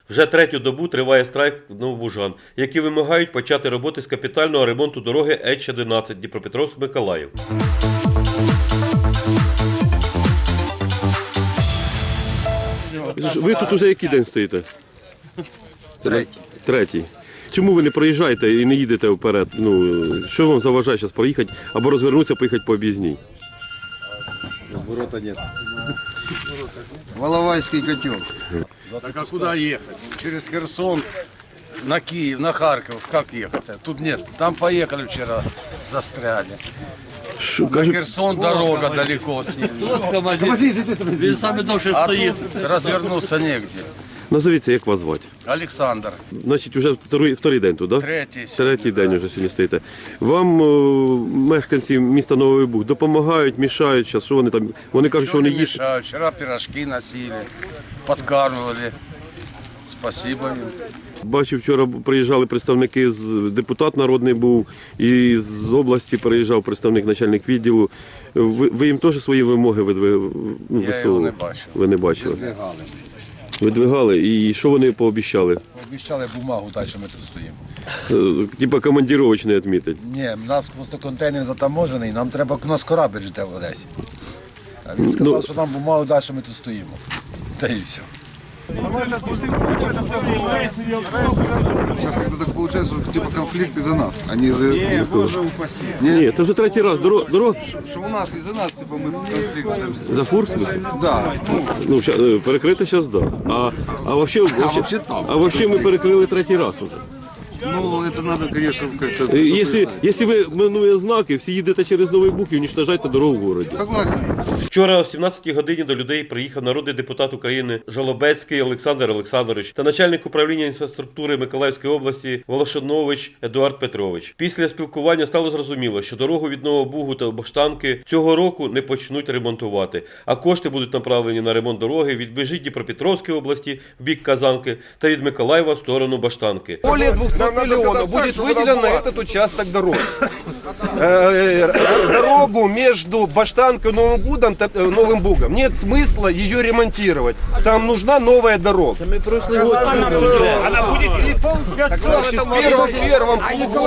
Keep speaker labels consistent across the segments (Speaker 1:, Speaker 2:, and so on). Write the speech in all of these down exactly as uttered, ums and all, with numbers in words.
Speaker 1: Вже третю добу триває страйк новобужан, які вимагають почати роботи з капітального ремонту дороги Еч одинадцять Дніпропетровськ-Миколаїв.
Speaker 2: Ви тут уже який день стоїте?
Speaker 3: Третій.
Speaker 2: Третій. Чому ви не проїжджаєте і не їдете вперед? Ну, що вам заважає зараз проїхати або розвернутися, поїхати по об'їзній?
Speaker 3: Ворота нет. Воловайский котел.
Speaker 4: Так а куда ехать? Через Херсон на Киев, на Харьков. Как ехать? Тут нет. Там поехали вчера, застряли.
Speaker 2: Що,
Speaker 4: На
Speaker 2: кажуть,
Speaker 4: Херсон дорога далеко с ним.
Speaker 5: Він саме довше
Speaker 4: А
Speaker 5: стоїть.
Speaker 4: тут развернуться негде.
Speaker 2: назовіться, як вас звати?
Speaker 4: Олександр.
Speaker 2: Значить, вже вторий, вторий день тут, так? Да?
Speaker 4: Третій.
Speaker 2: Третій день вже сьогодні стоїте. Вам о, мешканці міста Новий Буг допомагають, мішають зараз, що вони там? Вони кажуть, що
Speaker 4: Ничего
Speaker 2: вони
Speaker 4: не
Speaker 2: їсть.
Speaker 4: мешают. Вчера пирожки носили, подкармливали. Спасибо им.
Speaker 2: Бачив, вчора приїжджали представники, з депутат народний був, і з області приїжджав представник, начальник відділу. Ви, ви їм теж свої вимоги видвигали? Ну,
Speaker 4: Я його
Speaker 2: висовували?
Speaker 4: не бачив.
Speaker 2: Ви не бачили?
Speaker 3: Видвигали.
Speaker 2: Видвигали. І що вони пообіцяли?
Speaker 3: Обіцяли бумагу дати, що ми тут стоїмо.
Speaker 2: Е, Типа командировочний відмітить.
Speaker 3: Ні, в нас просто контейнер затаможений, нам треба, у нас корабль жде в Одесі. А він сказав,
Speaker 2: Ну,
Speaker 3: що нам бумагу дати, що ми тут стоїмо. Та і все.
Speaker 6: Сейчас как-то так получается, что типа конфликт из-за нас, а не из-за
Speaker 3: Ні, Боже упаси.
Speaker 2: Ні, це вже третій раз. Дорога, дорог...
Speaker 6: Что у нас из-за нас, типа мы конфликт.
Speaker 2: За фур, в смысле?
Speaker 6: Да. Ну,
Speaker 2: Ну, ща- е, перекрити зараз, так. Да. А, а, вообще, вообще,
Speaker 6: вообще там.
Speaker 2: а вообще ми перекрили третій раз уже.
Speaker 6: ну, это надо, конечно, как-то...
Speaker 2: Е, Якщо, якщо ви минує знаки, всі їдете через Новий Буг і уничтожаєте дорогу в городі.
Speaker 6: Согласен.
Speaker 1: Вчора о сімнадцятій годині до людей приїхав народний депутат України Жалобецький Олександр Олександрович та начальник управління інфраструктури Миколаївської області Волошанович Едуард Петрович. Після спілкування стало зрозуміло, що дорогу від Нового Бугу та Баштанки цього року не почнуть ремонтувати, а кошти будуть направлені на ремонт дороги від межі Дніпропетровської області в бік Казанки та від Миколаєва в сторону Баштанки.
Speaker 7: Более двухсот миллионов будет выделено на этот участок дороги. Э, Дорогу между Баштанкой и Новым Бугом, т- э, Новым Бугом нет смысла ее ремонтировать. Там нужна новая дорога.
Speaker 5: Ми пройшли год. Вона буде.
Speaker 7: В первом, первом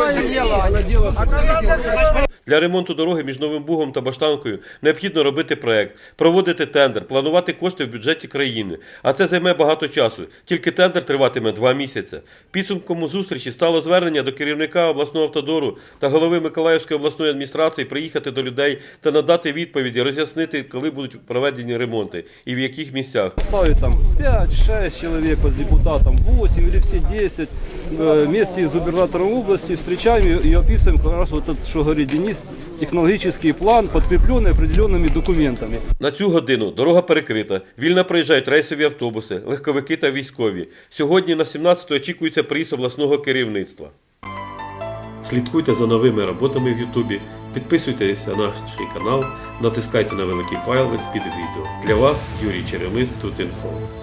Speaker 1: Для ремонту дороги між Новим Бугом та Баштанкою необхідно робити проект, проводити тендер, планувати кошти в бюджеті країни. А це займе багато часу. Тільки тендер триватиме два місяці. Підсумком зустрічі стало звернення до керівника обласного автодору та голови Миколаївської обласної адміністрації приїхати до людей та надати відповіді, роз'яснити, коли будуть проведені ремонти і в яких місцях.
Speaker 8: Ставить там пять-шесть человек вот с депутатом, восемь или все десять. Э, Вместе с губернатором области встречаем и и описываем как раз вот этот, что говорит Денис, технологический план, подкрепленный определенными документами.
Speaker 1: На цю годину дорога перекрита, вільно проїжджають рейсові автобуси, легковики та військові. Сьогодні на сімнадцяту очікується приїзд обласного керівництва. Слідкуйте за новими роботами в Ютубі, підписуйтесь на наш канал, натискайте на великий палець під відео. Для вас Юрій Черемис, Тут інфо.